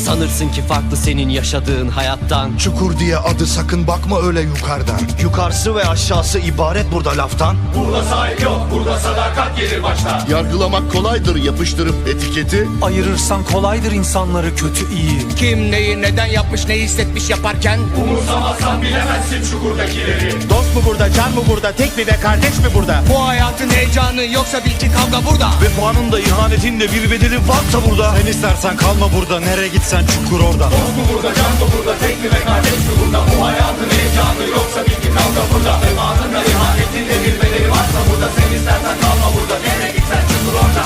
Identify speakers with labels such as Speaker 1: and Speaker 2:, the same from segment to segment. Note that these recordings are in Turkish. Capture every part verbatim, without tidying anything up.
Speaker 1: Sanırsın ki farklı senin yaşadığın hayattan.
Speaker 2: Çukur diye adı, sakın bakma öyle yukarıdan.
Speaker 3: Yukarısı ve aşağısı ibaret burada laftan.
Speaker 4: Burada sahip yok, burada sadakat gelir başta.
Speaker 5: Yargılamak kolaydır yapıştırıp etiketi.
Speaker 6: Ayırırsan kolaydır insanları kötü iyi.
Speaker 7: Kim neyi neden yapmış, ne hissetmiş yaparken.
Speaker 4: Umursamazsan bilemezsin çukurdakileri.
Speaker 3: Dost mu burada, can mı burada, tek mi ve kardeş mi burada?
Speaker 7: Bu hayatın heyecanı yoksa bil ki kavga burada.
Speaker 3: Vefanın da ihanetin de bir bedeli varsa burada. Sen istersen kalma burada, nereye gitsen çukur orada.
Speaker 4: Dost mu burada, can mı burada, tek mi ve kardeş mi burada? Bu hayatın heyecanı yoksa bil ki kavga burada. Vefanın da ihanetin de bir bedeli varsa burada. Sen istersen kalma burada, nereye gitsen çukur orada.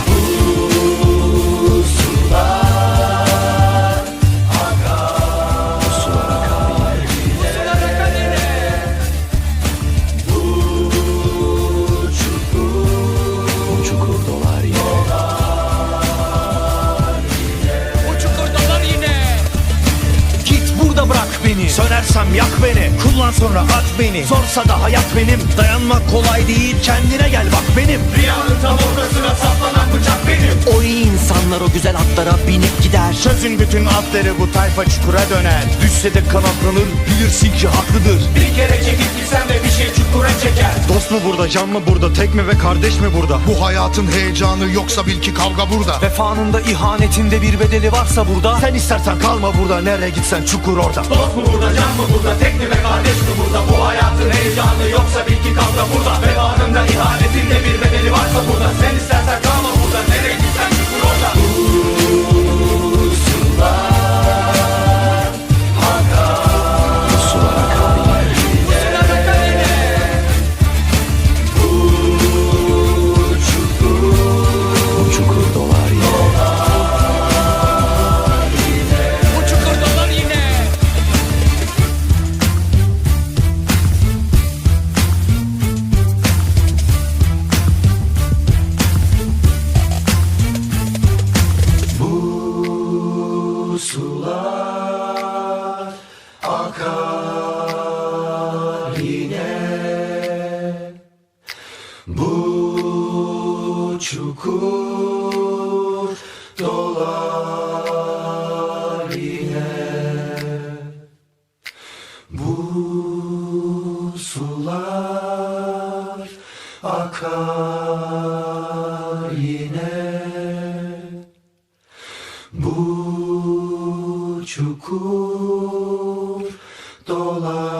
Speaker 6: Bırak beni.
Speaker 3: Sönersem yak beni, kullan sonra at beni. Zorsa da hayat benim, dayanmak kolay değil, kendine gel bak benim.
Speaker 4: Rüyanın tam ortasına saplanan bıçak benim.
Speaker 1: O iyi insanlar o güzel atlara binip gider.
Speaker 3: Çözün bütün atları, bu tayfa çukura döner. Düşse de kanatlanır, bilirsin ki haklıdır.
Speaker 4: Bir kere çekip gitsen de bir şey çukura çeker.
Speaker 3: Dost mu burada, can mı burada, tek mi ve kardeş mi burada?
Speaker 2: Bu hayatın heyecanı yoksa bil ki kavga burada.
Speaker 6: Vefanın da ihanetinde bir bedeli varsa burada.
Speaker 3: Sen istersen kalma burada, nereye gitsen çukur orada.
Speaker 4: Dost mu burada, can mı burada, tek mi ve kardeş mi burada? Bu hayatın heyecanı yoksa bil ki kavga burada. Vefanın da ihanetin de bir bedeli varsa burada. Sen istersen kalma burada, nereye gitsen çukur orada.
Speaker 2: Sular akar yine, bu çukur dolar yine. Bu sular akar yine, bu çukur dolar.